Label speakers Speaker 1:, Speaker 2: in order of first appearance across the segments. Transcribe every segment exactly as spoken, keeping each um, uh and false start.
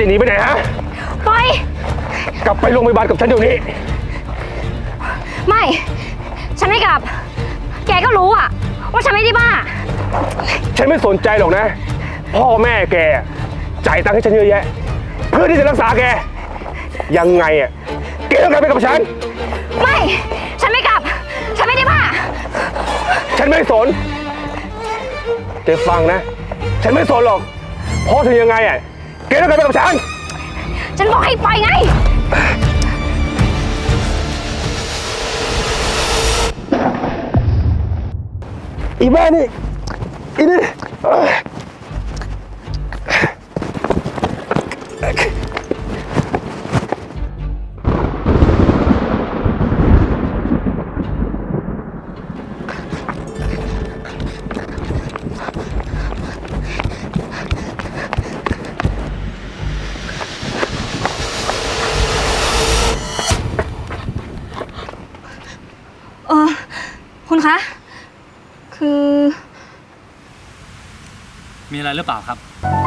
Speaker 1: จะหนีไปไหนฮะ
Speaker 2: ปล่อย
Speaker 1: กลับไปโรงพยาบาลกับฉันเดี๋ยวนี้
Speaker 2: ไม่ฉันไม่กลับแกก็รู้อะว่าฉันไม่ได้บ้า
Speaker 1: ฉันไม่สนใจหรอกนะพ่อแม่แกจ่ายตังค์ให้ฉันเยอะแยะเพื่อที่จะรักษาแกยังไงอ่ะแกต้องกลับไปกับฉัน
Speaker 2: ไม่ฉันไม่กลับฉันไม่ได้บ้า
Speaker 1: ฉันไม่สนแกฟังนะฉันไม่สนหรอกเพราะถึงยังไงอ่ะแกต้องกลับไปกับฉัน
Speaker 2: ฉันบอกให้ไปไง
Speaker 1: อีแม่นี่อีนี่
Speaker 2: เออคุณคะคือ
Speaker 3: มีอะไรหรือเปล่าครับ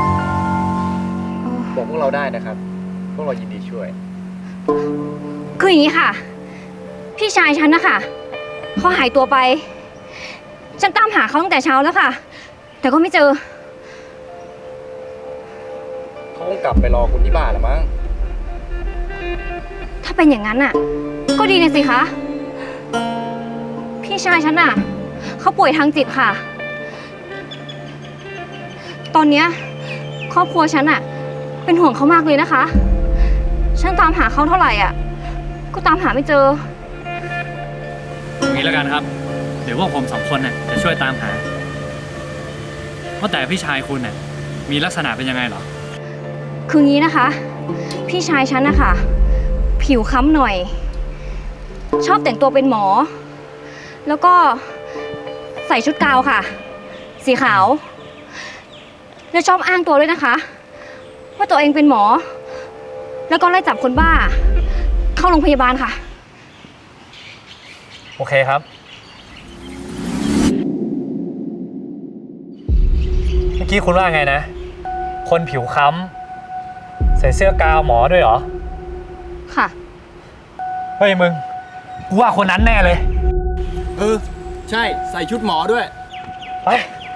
Speaker 4: บอกพวกเราได้นะครับพวกเรายินดีช่วย
Speaker 2: คืออย่างนี้ค่ะพี่ชายฉันนะคะเขาหายตัวไปฉันตามหาเขาตั้งแต่เช้าแล้วค่ะแต่ก็ไม่เจอ
Speaker 4: เขาคงกลับไปรอคุณที่บ้านละมั้ง
Speaker 2: ถ้าเป็นอย่างนั้นน่ะก็ดีนะสิคะพี่ชายฉันน่ะเขาป่วยทางจิตค่ะตอนเนี้ยครอบครัวฉันน่ะเป็นห่วงเขามากเลยนะคะฉันตามหาเขาเท่าไหร่อ่ะก็ตามหาไม่เจอ
Speaker 3: งี้แล้วกันครับเดี๋ยวพวกผมสองคนน่ะจะช่วยตามหาว่าแต่พี่ชายคุณน่ะมีลักษณะเป็นยังไงหรอ
Speaker 2: คืองี้นะคะพี่ชายฉันนะคะผิวค้ำหน่อยชอบแต่งตัวเป็นหมอแล้วก็ใส่ชุดกาวค่ะสีขาวแล้วชอบอ้างตัวด้วยนะคะว่าตัวเองเป็นหมอแล้วก็ไล่จับคนบ้าเข้าโรงพยาบาลค่ะ
Speaker 3: โอเคครับเมื่อกี้คุณว่าไงนะคนผิวค้ำใส่เสื้อกาวหมอด้วยเหรอ
Speaker 2: ค่ะ
Speaker 3: เฮ้ยมึงกูว่าคนนั้นแน่เลย
Speaker 4: เออใช่ใส่ชุดหมอด้วย
Speaker 3: ไป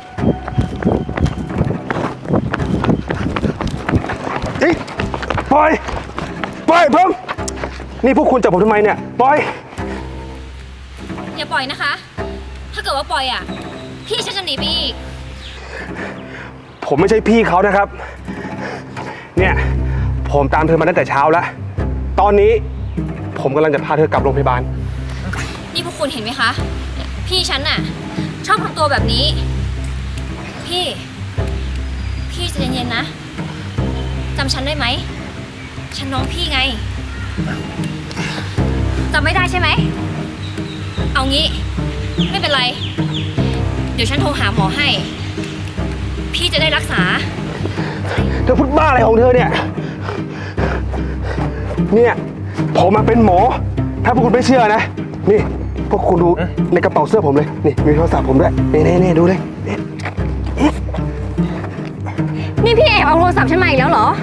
Speaker 1: เฮ้ยปล่อยปล่อยผมนี่พวกคุณจับผมทำไมเนี่ยปล่อย
Speaker 2: อย่าปล่อยนะคะถ้าเกิดว่าปล่อยอ่ะพี่ฉันจะหนีไปอีก
Speaker 1: ผมไม่ใช่พี่เขานะครับเนี่ยผมตามเธอมาตั้งแต่เช้าแล้วตอนนี้ผมกำลังจะพาเธอกลับโรงพยาบาล
Speaker 2: นี่พวกคุณเห็นไหมคะพี่ฉันน่ะชอบทำตัวแบบนี้พี่พี่ใจเย็นๆนะจำฉันได้ไหมฉันน้องพี่ไงจำไม่ได้ใช่ไหมเอางี้ไม่เป็นไรเดี๋ยวฉันโทรหาหมอให้พี่จะได้รักษา
Speaker 1: เธอพูดบ้าอะไรของเธอเนี่ยเนี่ยผมมาเป็นหมอถ้าพวกคุณไม่เชื่อนะนี่พวกคุณดูในกระเป๋าเสื้อผมเลยนี่มีโทรศัพท์ผมด้วยนี่นี่นี่ดูเลย
Speaker 2: นี่พี่แอบเอาโทรศัพท์ฉันมาอีกแล้วเหรอ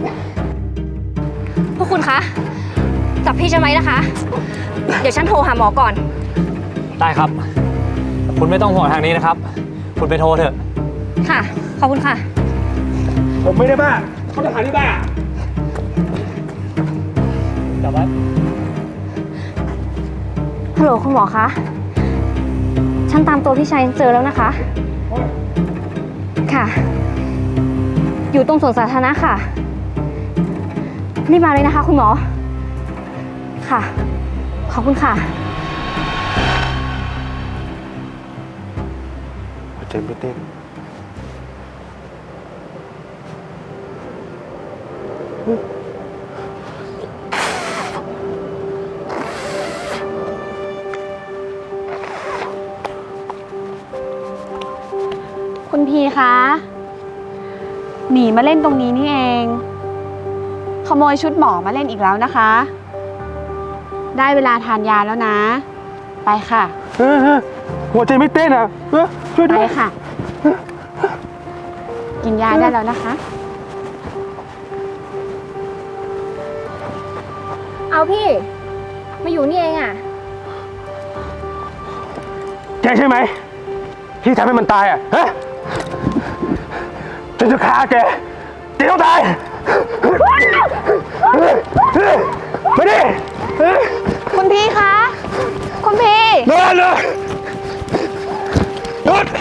Speaker 2: พวกคุณคะจับพี่ฉันไว้นะคะเดี๋ยวฉันโทรหาหมอก่อน
Speaker 3: ได้ครับคุณไม่ต้องห่วงทางนี้นะครับคุณไปโทรเถอะ
Speaker 2: ค่ะขอบคุณค่ะ
Speaker 1: ผมไม่ได้บ้าเขาจะหาที่บ้า
Speaker 3: จับไว้
Speaker 2: ฮัลโหลคุณหมอคะฉันตามตัวพี่ชายเจอแล้วนะคะค่ะอยู่ตรงสวนสาธารณะค่ะรีบมาเลยนะคะคุณหมอค่ะขอบคุณค่ะ
Speaker 1: เต้นเต้น
Speaker 5: คุณพีคะหนีมาเล่นตรงนี้นี่เองขโมยชุดหมอมาเล่นอีกแล้วนะคะได้เวลาทานยาแล้วนะไปค่ะ
Speaker 1: หัวใจไม่เต้นอ่ะช่วยด้วย
Speaker 5: ไปค่ะกินยาได้แล้วนะคะ
Speaker 2: เอาพี่ มาอยู่นี่เองอะ
Speaker 1: แกใช่ไหมที่ทำให้มันตายอ่ะฮะฉันจะฆ่าแกแกต้องตายมาดิ
Speaker 5: คุณพี่คะ คุณพี่
Speaker 1: นอนเลยหยุด